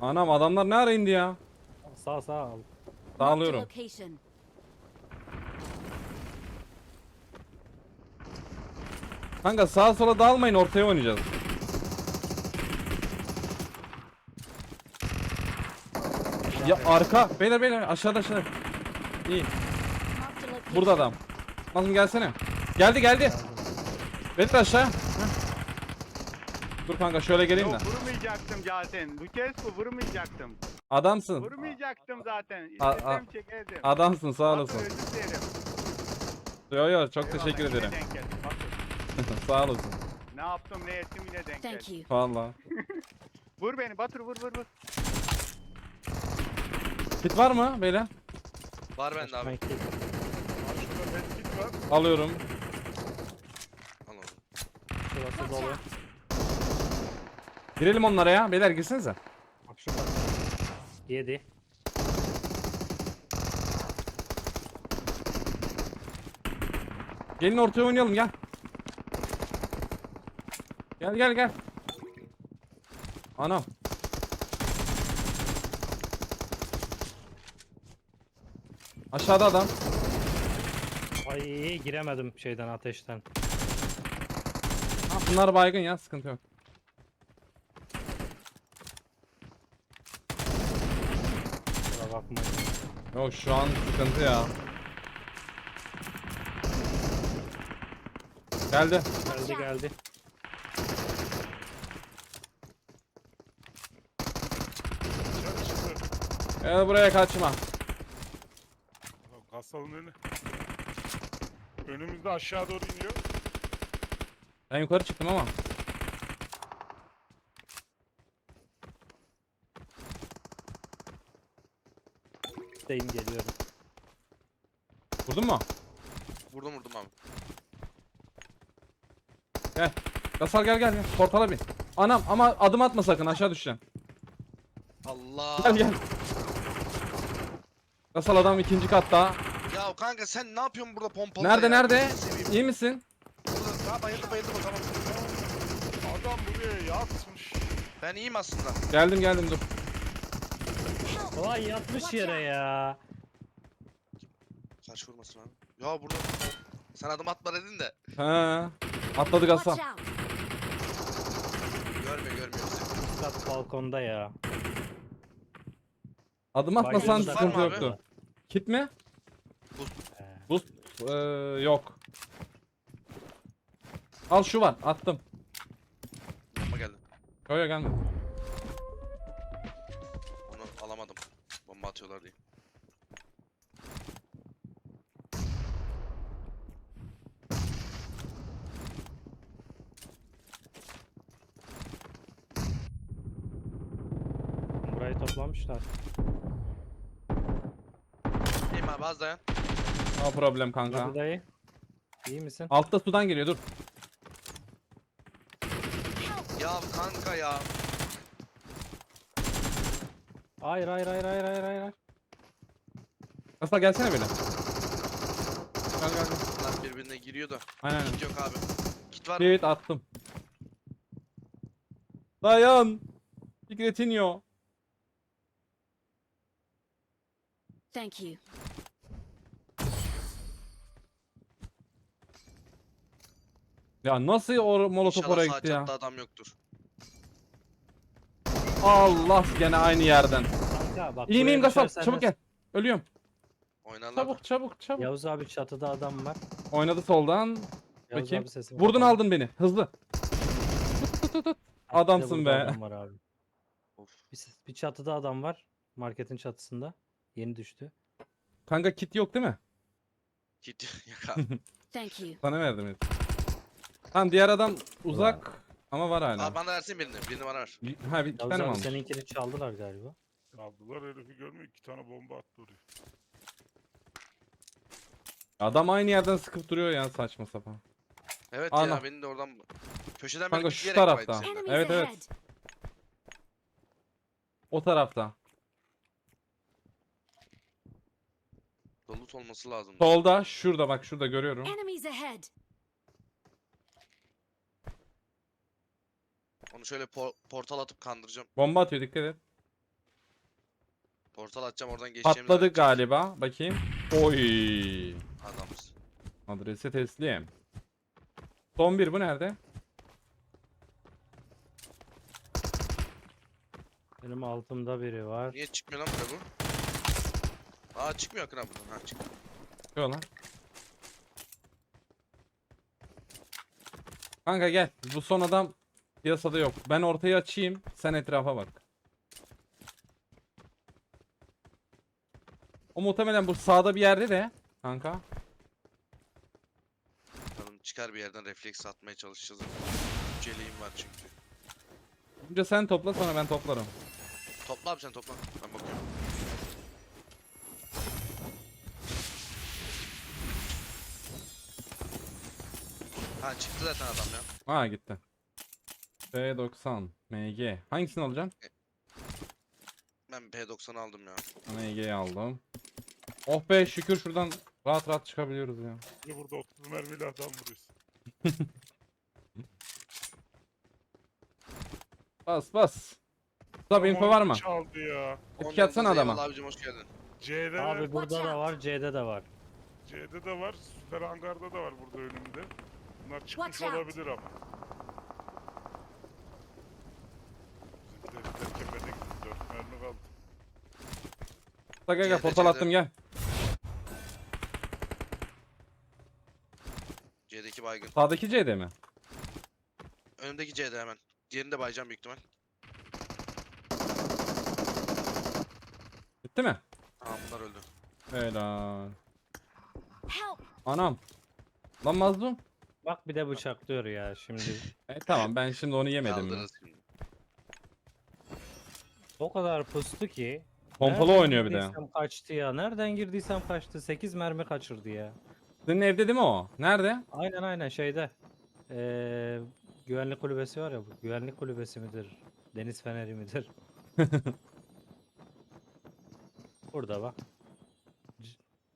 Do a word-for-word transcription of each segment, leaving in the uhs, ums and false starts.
Anam adamlar ne ara indi ya? Sağ sağ al. Dağılıyorum. Location. Kanka sağa sola dağılmayın, ortaya oynayacağız. Ya arka. Beyler beyler aşağıda aşağıda. İyi. Marked a location. Burada adam. Nazım gelsene. Geldi geldi. Bedir aşağı. Heh. Dur kanka şöyle geleyim de. Yok vurmayacaktım zaten. Bu kez bu vurmayacaktım. Adamsın. Vurmayacaktım zaten. A- a- İstesem çekerdim. Adamsın sağ Bakın olasın. özür dilerim. Yo yo çok Eyvallah, teşekkür yine ederim. denk geldi. Bakın, Sağ olasın. ne yaptım ne ettim yine denk Thank geldi. you. Valla. Vur beni Batur vur vur vur. Kit var mı beyler? Var bende abi. Sanki Şurada medkit var. Alıyorum. Al oğlum. şurası Watch dolu. out. Girelim onlara ya. Beyler girsenize. Bak şurada. Yedi. Gelin ortaya oynayalım gel. Gel gel gel. Anam. Aşağıda adam. Ay giremedim şeyden ateşten. Ha, bunlar baygın ya, sıkıntı yok. Kusura bakmayın. Yok şu an sıkıntı ya. Geldi. Geldi geldi. Dışarı çıktı. Gel buraya kaçma. Adam kasalın önü. Önümüzde aşağı doğru iniyor. Ben yukarı çıktım ama. Deyim geliyorum. Vurdun mu? Vurdum vurdum abi. Gel. Gasal gel gel gel. Portala bin. Anam ama adım atma sakın, aşağı düşeceksin. Allah. Gel gel. Gasal adam ikinci katta. Ya kanka sen ne yapıyorsun burada pompalı? Nerede ya? nerede? Gözünü seveyim. İyi misin? Burada. Ha bayıldı bayıldı bakalım. Adam buraya yatmış. Ben iyiyim aslında. Geldim geldim dur. Vay yatmış yere ya. Karşı vurmasın abi. Ya burada. Sen adım atma dedin de. He. Atladı Gasal. Watch out. Görmüyor görmüyor bizi. Kat balkonda ya. Adım atmasan Baygınlık sıkıntı var mı yoktu. abi? Kit mi? He. Boost ee, yok. Al şu var, attım. Bomba geldi. Yo yo gelmedi. Onu alamadım. Bomba atıyorlar diye. Burayı toplamışlar. İyiyim abi az dayan. No problem kanka. Hadi dayı. İyi misin? Altta sudan geliyor dur. Ya kanka ya. Hayır hayır hayır hayır hayır hayır. Gasal gelsene böyle. Gel gel gel. Bunlar birbirine giriyor da. Aynen aynen. Kit yok abi. Kit var mı? Kit attım. Dayan. Fikretinho. Thank you. Ya nasıl o molotof İnşallah oraya sağ gitti ya? çatıda adam yoktur. Allah, gene aynı yerden. Kanka bak. İyi buraya miyim Gasal? düşersen Çabuk de- gel. Ölüyorum. Oynarlar. Çabuk çabuk çabuk. Yavuz abi çatıda adam var. Oynadı soldan. Yavuz Bakayım. abi sesini Vurdun kapat. aldın beni. Hızlı. Tut tut tut tut. Bir de Adamsın burada be. Adam var abi. Of. Bir, ses- bir çatıda adam var. Marketin çatısında. Yeni düştü. Kanka kit yok değil mi? Kit yok abi. Thank you. Sana verdim et. Tamam diğer adam uzak ama var hala. Abi bana versin birini. Birini bana ver. Bir- Ha bir iki Yavuz tane mi abi almış? seninkini çaldılar galiba. Aldılar herifi görmüyor. İki tane bomba attı oraya. Adam aynı yerden sıkıp duruyor ya, saçma sapan. Evet Ana. ya beni de oradan köşeden Kanka böyle şu pikleyerek tarafta. baydı seni. Enemies Evet, evet. ahead. O tarafta. Dolut olması lazım. Solda, şurada bak, şurada görüyorum. Enemies ahead. Onu şöyle por- portal atıp kandıracağım. Bomba atıyor, dikkat et. Portal atacağım oradan geçeceğimizi Patladık öğreneceğim. galiba. Bakayım. Oy. Adamız. Adresi teslim. Son bir bu nerede? Benim altımda biri var. Niye çıkmıyor lan burada bu? Aa çıkmıyor Akın abi buradan. Ha çık. Yok lan. Kanka gel. Bu son adam piyasada yok. Ben ortayı açayım. Sen etrafa bak. O muhtemelen bu sağda bir yerde de. Kanka. Bakalım çıkar bir yerden refleks atmaya çalışacağız. Üç eleğim var çünkü. Önce sen topla sonra ben toplarım. Topla abi sen topla. Ben bakıyorum. Ha çıktı zaten adam ya. Ha gitti. P doksan M G. Hangisini alacaksın? Ben P doksan'ı aldım ya. M G'yi aldım. Oh be şükür şuradan rahat rahat çıkabiliyoruz ya. Bir de burada otuz mermiyle adam vuruyorsun. Bas bas. Tabi info var mı? Çaldı ya. Etki atsana Ondan adama. eyvallah abicim hoş geldin. C'de Abi burada Watch da out. var, C'de de var. C'de de var. Süper hangarda da var burada önümde. Bunlar çıkmış Watch out. olabilir ama. Bizimkiler tepede gitti. Dört mermi kaldı. Gel gel gel C'de, portal C'de. attım gel. C'deki baygın. Sağdaki C'de mi? Önümdeki C'de hemen. Diğerini de bayacağım büyük ihtimal. Bitti mi? Tamam bunlar öldü. Helal. Help! Anam. Lan mazlum. Bak bir de bıçaklıyor ya şimdi. E tamam ben şimdi onu yemedim ya. Kaldırırız şimdi. O kadar pustu ki. Pompalı nereden oynuyor bir de. girdiysem kaçtı ya. Nereden girdiysem kaçtı. sekiz mermi kaçırdı ya. Senin evde değil mi o? Nerede? Aynen aynen şeyde. Ee, güvenlik kulübesi var ya bu. Güvenlik kulübesi midir? Deniz feneri midir? Burada bak. C-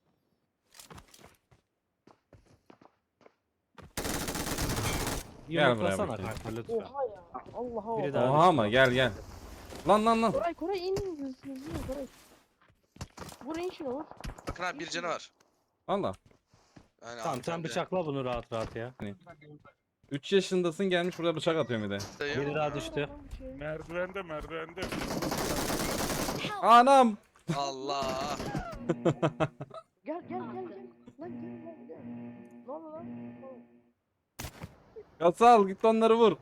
Gel buraya Yumruklasana bakayım. kanka lütfen. Oha ya. Allah Biri Allah. daha Oha düştü. ama gel gel. Lan lan lan. Koray Koray in hızlı hızlı Koray. Vur in şunu vur. Bakın abi bir canı var. Valla. Yani Tamam sen hanımefendi. bıçakla bunu rahat rahat ya. üç yaşındasın gelmiş burada bıçak atıyor bir de. Dayı. Biri daha düştü. Merdivende merdivende. Help! Anam. Allah. Gel gel gel gel. Lan gel lan gel. Ne oldu lan? Kasal git onları vur.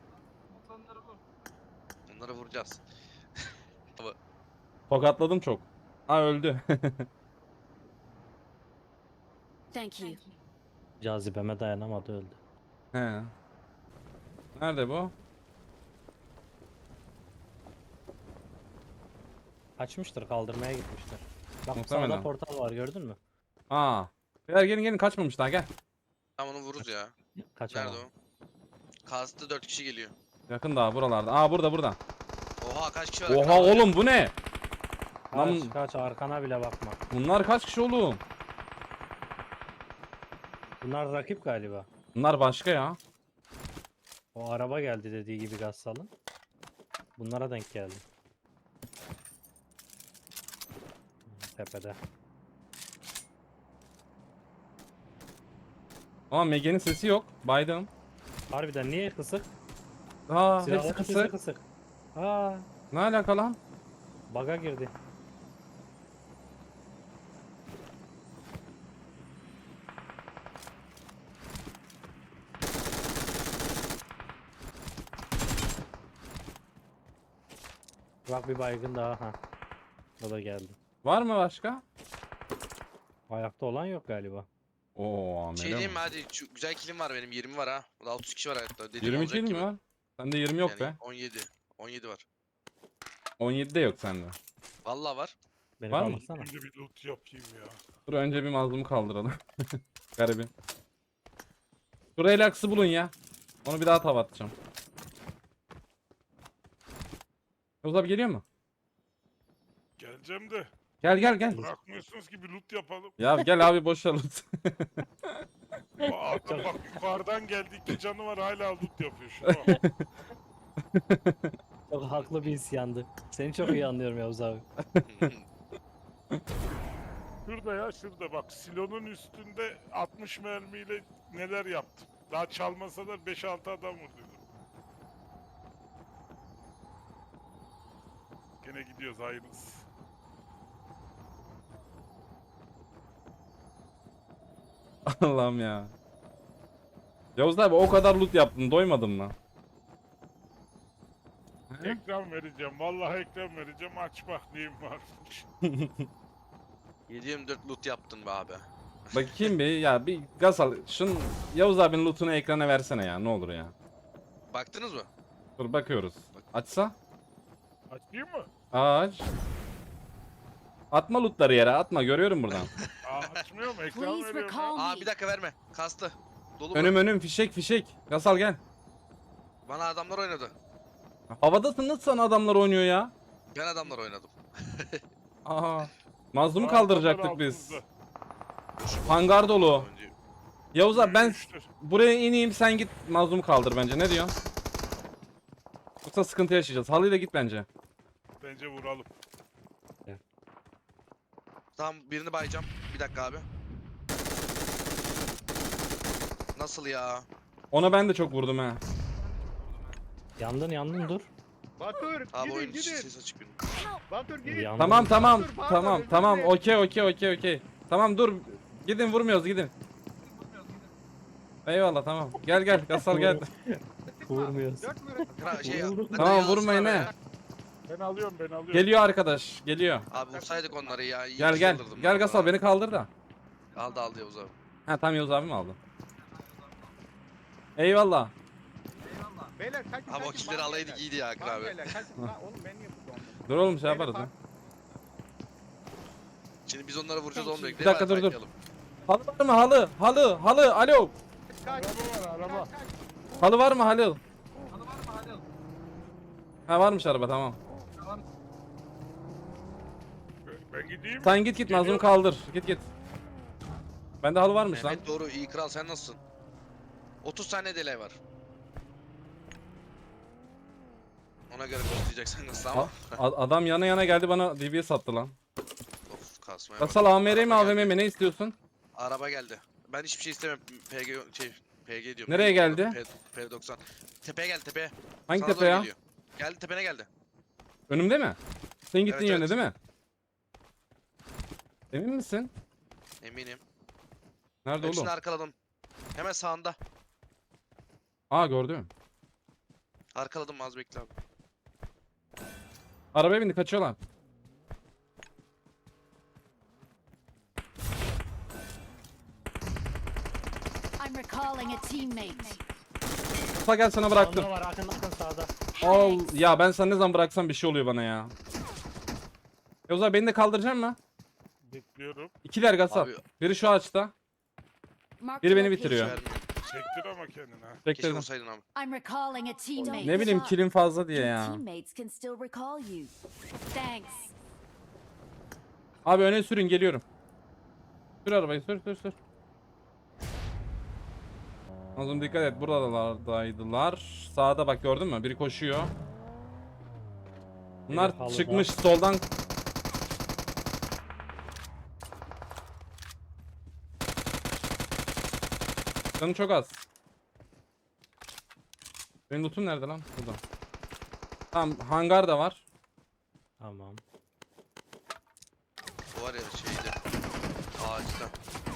Onları vuracağız. Tokatladım çok. Ha öldü. Thank you. Cazibeme dayanamadı öldü. He. Nerede bu? Kaçmıştır kaldırmaya gitmiştir. Bak Muhtemelen. sağda portal var gördün mü? Aa. Beyler gelin gelin kaçmamış daha gel. Tamam onu vururuz ya. Kaçamam. Nerede o? Kastı dört kişi geliyor. Yakın daha buralarda. Aa burada burada. Oha kaç kişi var? Oha Akın abi? oğlum bu ne? Kaç Lan- kaç arkana bile bakma. Bunlar kaç kişi oğlum? Bunlar rakip galiba. Bunlar başka ya. O araba geldi dediği gibi Gassal'ın. Bunlara denk geldi. Tepede. Ama Megan'in sesi yok. Baydım. Harbiden niye kısık? Aa hepsi Silahların sesi kısık. kısık. Aa, Ne alaka lan? baga girdi. Bak bir baygın daha ha. O da geldi. Var mı başka? Ayakta olan yok galiba. Oo Şey amele diyeyim mi? mi hadi şu güzel kilim var benim yirmi var ha. Burada otuz kişi var hayatta. Dediğim yirmi olacak kill mi gibi. var? Sende yirmi yok Yani be. on yedi. on yedi var. on yedide yok sende. Vallahi var. Beni Var mı? kaldırsana. Şimdi bir loot yapayım ya. Dur önce bir mazlumu kaldıralım. Garibim. Şu relax'ı bulun ya. Onu bir daha tava atacağım. Yavuz abi geliyor mu? Geleceğim de. Gel gel gel. Bırakmıyorsunuz ki bir loot yapalım. Ya gel abi boş ver loot. Aa, adam bak yukarıdan geldi iki canı var hala loot yapıyor şuna bak. Çok haklı bir isyandı. Seni çok iyi anlıyorum Yavuz abi. Şurada ya şurada bak silonun üstünde altmış mermiyle neler yaptım. Daha çalmasalar beş altı adam vurduydum. Gene gidiyoruz hayırlısı. Allah'ım ya. Yavuz abi o kadar loot yaptın doymadın mı? Ekran vereceğim. Vallahi ekran vereceğim. Aç bak neyim varmış. yedi yirmi dört loot yaptın be abi. Bakayım bir ya bir gaz al. Şun Yavuz abinin lootunu ekrana versene ya ne olur ya. Baktınız mı? Dur bakıyoruz. Açsa? Açayım mı? Aç. Atma lootları yere atma görüyorum buradan. Aa, açmıyor mu? Ekran Please veriyorum. recall ya. Aa me. bir dakika verme. Kastı. Dolu Önüm mu? önüm fişek fişek. Gasal gel. Bana adamlar oynadı. Havadasın nasıl sana adamlar oynuyor ya? Ben adamlar oynadım. Aa. Mazlumu Aa, kaldıracaktık kamera biz. altımızda. Hangar dolu. Önce- Yavuz abi ben Yürüyüştür. buraya ineyim sen git mazlumu kaldır bence ne diyorsun? Yoksa sıkıntı yaşayacağız. Halıyla git bence. Bence vuralım. Tamam birini bayacağım. Bir dakika abi. Nasıl ya? Ona ben de çok vurdum ha. Yandın yandın dur. Batur Abi gidin oyun içi gidin. ses açık benim. Batur gidin. Yandın. Tamam tamam Dur, pardon, tamam özür tamam dilerim. okey okey okey okey. Tamam dur. Gidin vurmuyoruz gidin. Eyvallah tamam. Gel gel Gasal gel. Vurmuyoruz. Dört mü? Kra şey Vurduk. hadi Tamam yazsın vurmayın abi he. ya. Ben alıyorum ben alıyorum. Geliyor arkadaş geliyor. Abi vursaydık onları ya. iyi Gel ki gel. saldırdım Gel ben Gasal ona. beni kaldır da. Aldı aldı Yavuz abi. Ha tam Yavuz abi mi aldı? Eyvallah. Beyler kaçın Abi o kaçın, killeri bana alaydık beyler. iyiydi ya Akın Bana abi. beyler, kaçın. Lan oğlum ben niye burada olmadım? Dur oğlum şey Beyler, yaparız ya. bak- Şimdi biz onları vuracağız Thank olmuyor. you. Bir dakika, dur, dur. Halı var mı halı? Halı halı alo. Kaç. Araba var araba. Kaç, kaç. Halı var mı halı? Ha varmış araba tamam. Ben- Ben gideyim mi? Sen git git mazlumu kaldır. Git git. Bende halı varmış lan. Mehmet doğru iyi kral sen nasılsın? otuz tane delay var. Ona göre boostlayacaksan nasıl ama. A- a- adam yana yana geldi bana D B S sattı lan. Of kasmaya bak. Gasal A M R mi Araba A V M geldi. mi ne istiyorsun? Araba geldi. Ben hiçbir şey istemem. P G şey P G diyorum. Nereye geldi? P- P90. Tepeye geldi tepeye. Hangi Sana tepe doğru ya? geliyor. Geldi tepene geldi. Önümde mi? Senin gittiğin Evet, yönde evet. değil mi? Emin misin? Eminim. Nerede Hepsini oğlum? arkaladım. Hemen sağında. Aa gördüm. Arkaladım az bekle abi. Arabaya bindi kaçıyorlar. I'm recalling a teammate. Musa gel sana bıraktım. Sağda var Akın Akın sağda. Al ya ben sana ne zaman bıraksam bir şey oluyor bana ya. Yavuz abi beni de kaldıracak mı? Bekliyorum. İkiler Gasal. Abi Biri şu ağaçta. Marked Biri a beni location. bitiriyor. vermiyor. Çektir ama kendini ha. Keşke Bekledim. vursaydın abi. I'm recalling a teammate. Ne bileyim kilim fazla diye Your ya. teammates can still recall you. Thanks. Abi öne sürün geliyorum. Sür arabayı sür sür sür. Azım dikkat et buralardaydılar. Sağda bak gördün mü? Biri koşuyor. Bunlar Biri halıda. çıkmış soldan. Canı çok az. Benim lootum nerede lan? Burada. Tamam hangar da var. Tamam. O var ya şeyde. Ağaçta.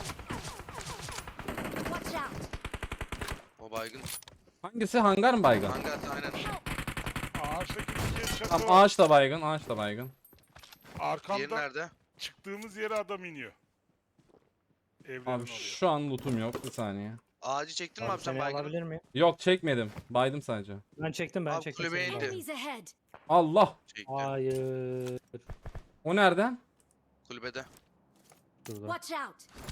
Watch out. O baygın. Hangisi hangar mı baygın? Hangarda aynen. Ağaçtaki bir çatı Tamam var. ağaç da baygın, ağaç da baygın. Diğeri Arkamda nerede? çıktığımız yere adam iniyor. Evlerin Abi oluyor. şu an lootum yok bir saniye. Ağacı çektin mi Abi abi sen seni baygını? alabilir miyim? Yok çekmedim. Baydım sadece. Ben çektim ben Abi çektim. kulübeye seni. indi. Enemies ahead. Allah. Çekti. Hayır. O nereden? Kulübede. Şurada. Watch out.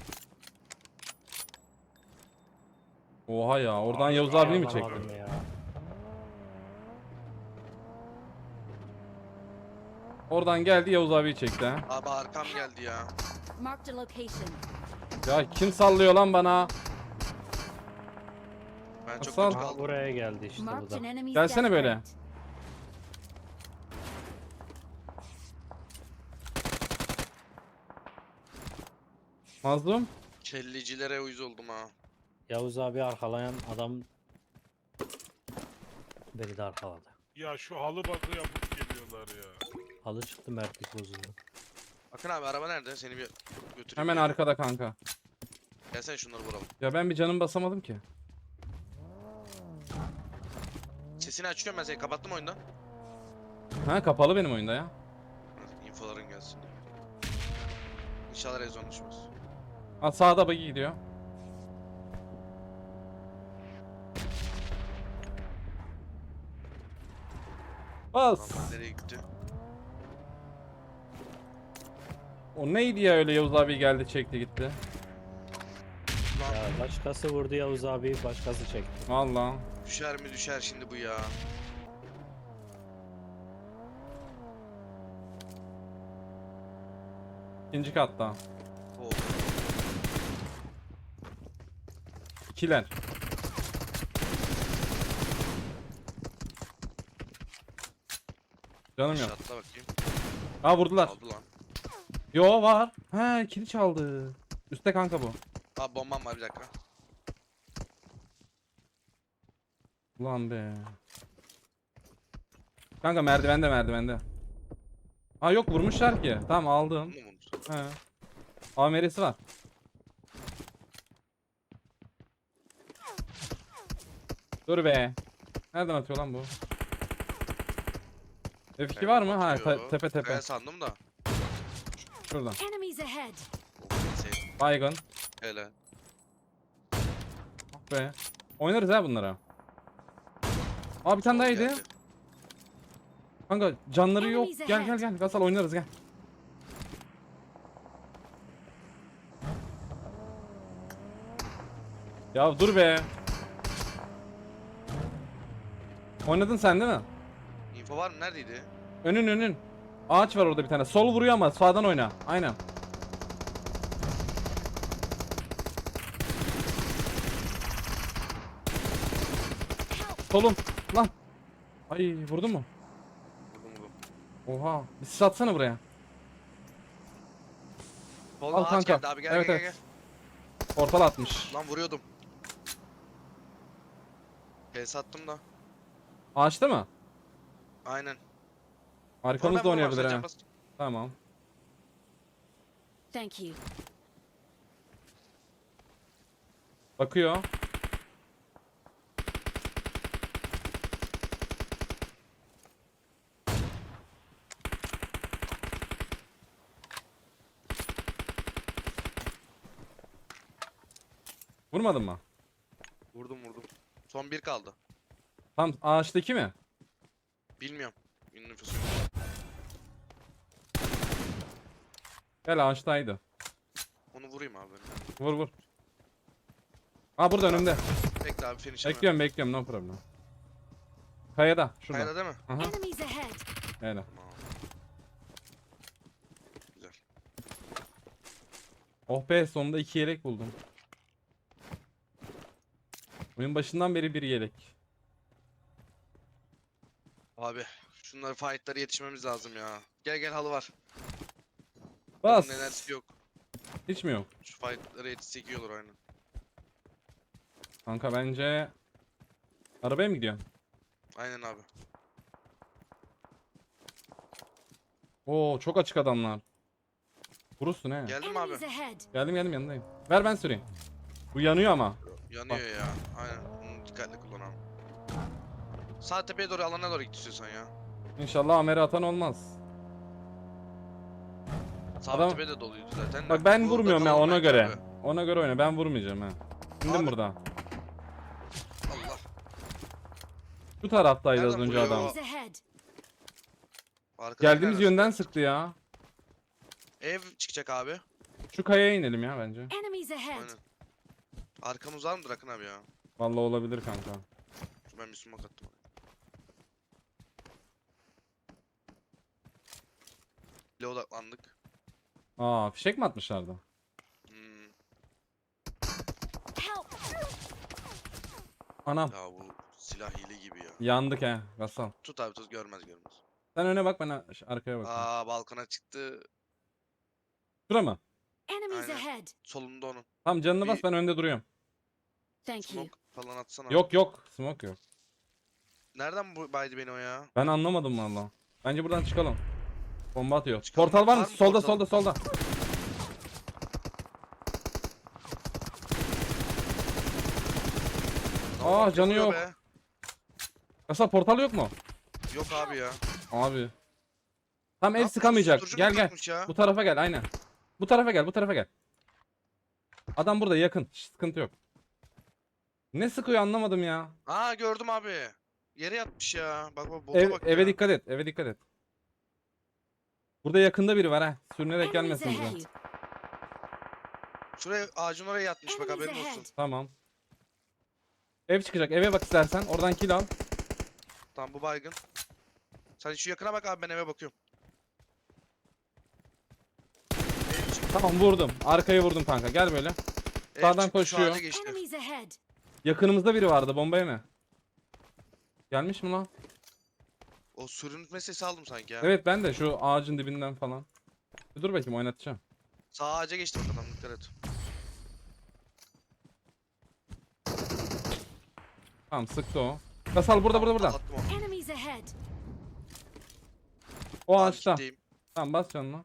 Oha ya oradan Yavuz abi mi çekti? Alamadım ya. Oradan geldi Yavuz abiyi çekti ha. Abi arkam geldi ya. Marked a location. Ya kim sallıyor lan bana? Ben çok Asal. kötü Aha, kaldım. buraya geldi işte bu Marked da. an enemy's Gelsene death böyle. rate. Mazlum. Kellecilere uyuz oldum ha. Yavuz abi arkalayan adam beni de arkaladı. Ya şu halı bakı yapıp geliyorlar ya. Halı çıktı, mertlik bozuldu. Akın abi araba nerede? Seni bir götüreyim. Hemen ya. arkada kanka. Gelsene şunları vuralım. Ya ben bir canım basamadım ki. Sesini açıyorum ben seni. Kapattım oyunda. Ha kapalı benim oyunda ya. Heh, infoların gelsin diye. İnşallah rezon düşmez. Ha sağda buggy gidiyor. Bas. Tamam nereye gitti? O neydi ya öyle Yavuz abi geldi çekti gitti. Ya başkası vurdu Yavuz abi, başkası çekti. Valla. Düşer mi düşer şimdi bu ya. İkinci katta. Oh. İkiler. Canım yok. Şatla bakayım. Aa vurdular. Aldı lan. Yo var. He kili çaldı. Üste kanka bu. Aa bombam var bir dakika. Ulan be. Kanka merdivende merdivende. Aa yok vurmuşlar ki. Tamam Bunu aldım. mu vurmuş? He. A M R'si var. Dur be. Nereden atıyor lan bu? F iki var mı? Ha te- Atıyor. tepe tepe. Ben sandım da. Şuradan. Enemies ahead. Oh, neyse. Baygın. Hele. Ah be. Oynarız ha bunlara. Aa bir tane daha yedi. Geldi. Kanka canları yok. Enemies Gel ahead. gel gel. Gasal oynarız gel. Ya dur be. Oynadın sen değil mi? Info var mı? Neredeydi? Önün önün. Ağaç var orada bir tane. Sol vuruyor ama sağdan oyna. Aynen. Solum. Lan. Ay vurdun mu? Vurdum vurdum. Oha. Bir sis atsana buraya. Solda Al ağaç kanka. geldi abi gel Evet, gel evet. gel. Portal atmış. Lan vuruyordum. P attım da. Ağaçta mı? Aynen. Arkamızda Sonra ben oynayabilir vurmam, sen ha. can bas. Tamam. Thank you. Bakıyor. Vurmadın mı? Vurdum vurdum. Son bir kaldı. Tam ağaçtaki mi? Bilmiyorum. Ünlü nüfusu yok. Gel ağaçtaydı. Onu vurayım abi. Vur vur. Aa burada önümde. Bekle abi finish'e. Bekliyorum bekliyorum no problem. Kayada şurada. Kayada değil mi? Aha. Enemies ahead. Öyle. Tamam. Güzel. Oh be sonunda iki yelek buldum. Oyun başından beri bir yelek. Abi şunları fight'lara yetişmemiz lazım ya. Gel gel halı var. Bas. Bunun enerjisi yok. Hiç mi yok? Şu fight'lara yetişsek iyi olur aynen. Kanka bence arabaya mı gidiyorsun? Aynen abi. Oo çok açık adamlar. Vurursun he. Geldim mi abi? Enemies ahead. Geldim geldim yanındayım. Ver ben süreyim. Bu yanıyor ama. Yanıyor ya. Aynen. Bunu dikkatli kullanalım. Sağ tepeye doğru alana doğru git istiyorsan ya. İnşallah amere atan olmaz. Sağ Adam- tepe de doluydu zaten. de. Bak ben Burada vurmuyorum ya kalalım ona bence göre. abi. Ona göre oyna. Ben vurmayacağım ha. İndim Abi- burada. Allah. Şu taraftaydı az Nereden önce vuruyor? adam. Enemies ahead. Arkadan Geldiğimiz nereden yönden sıktı? sıktı ya. Ev çıkacak abi. Şu kayaya inelim ya bence. Enemies ahead. Aynen. Arkamız var mıdır Akın abi ya? Vallahi olabilir kanka. Dur ben bir smoke attım. Bile odaklandık. Aa fişek mi atmışlardı? Hmm. Help. Anam. Ya bu silah hile gibi ya. Yandık he. Gasal. Tut abi tut görmez görmez. Sen öne bak ben a- arkaya bakayım. Aa balkona çıktı. Şura mı? Enemies Aynen. ahead. Solunda onun. Tamam canını Bir- bas, ben önde duruyorum. Thank you. Smoke falan atsana. Yok yok. Smoke yok. Nereden bu baydı beni o ya? Ben anlamadım valla. Bence buradan çıkalım. Bomba atıyor. Çıkalım. Portal var mı? Var mı Solda portal? solda solda. Ne Aa, oldu, canı vuruyor yok. be? Kasap portal yok mu? Yok abi ya. Abi. Tam Ne ev yapmış? sıkamayacak. Susturucu mu Gel gel. takmış ya? Bu tarafa gel aynen. Bu tarafa gel bu tarafa gel. Adam burada yakın. Hiç sıkıntı yok. Ne sıkıyor anlamadım ya. Aa gördüm abi. Yere yatmış ya. Bak bak bota Ev, bak eve ya. dikkat et. Eve dikkat et. Burada yakında biri var ha. Sürünerek Enemies gelmesin bize. ahead. Şuraya ağacın oraya yatmış bak Enemies haberin olsun. ahead. Tamam. Ev çıkacak. Eve bak istersen. Oradan kill al. Tamam bu baygın. Sen şu yakına bak abi ben eve bakıyorum. Ev çıktı, Tamam vurdum. Arkaya vurdum kanka. Gel böyle. ev Sağdan çıktı, şu koşuyor. ağaca geçti. Enemies ahead. Yakınımızda biri vardı. Bombaya mı? Gelmiş mi lan? O sürünme sesi aldım sanki ya. Evet ben de şu ağacın dibinden falan. Bir dur bakayım oynatacağım. Sağ ağaca geçti bak adam dikkat et. Tamam sıktı o. Kasal burada burada burada. Attım onu. Enemies ahead. O Abi ağaçta. kitleyim. Tamam bas canına.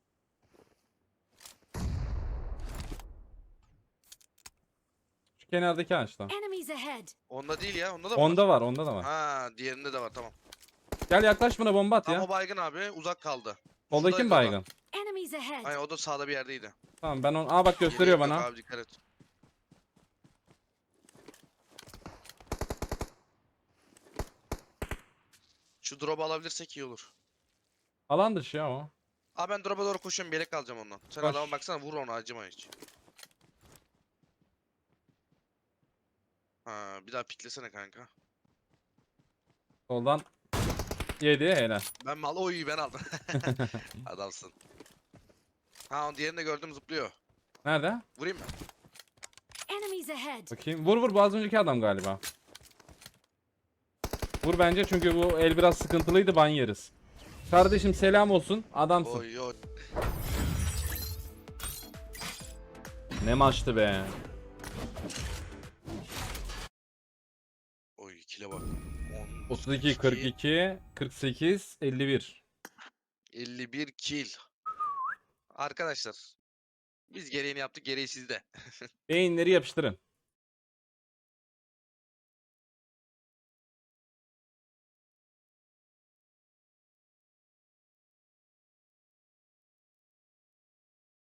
Şu kenardaki ağaçta. Enemies ahead. Onda değil ya onda da mı? Onda var onda da var. Ha diğerinde de var tamam. Gel yaklaş buna bomba at Tam ya. o baygın abi uzak kaldı. Soldaki şuradaydı mi o da. baygın? Enemies ahead. Aynen o da sağda bir yerdeydi. Tamam ben onu... Aa bak gösteriyor Yeleğim yok bana. Abi dikkat et. Şu drop'u alabilirsek iyi olur. Alan dışı ya o. Abi ben drop'a doğru koşuyorum bir yelek alacağım ondan. Sen Koş. adama baksana vur onu acıma hiç. Ha bir daha piklesene kanka. Soldan. Yedi helal. Ben mal oy ben aldım. Adamsın. Ha onu diğerini de gördüm zıplıyor. Nerede? Vurayım mı? Enemies ahead. Bakayım. Vur vur bu az önceki adam galiba. Vur bence çünkü bu el biraz sıkıntılıydı ban yeriz. Kardeşim selam olsun. Adamsın. Oy oy. Ne maçtı be. Oy kile bak. on, otuz iki, kırk iki, kırk sekiz, elli bir. elli bir kill. Arkadaşlar. Biz gereğini yaptık gereği sizde. Beyinleri yapıştırın.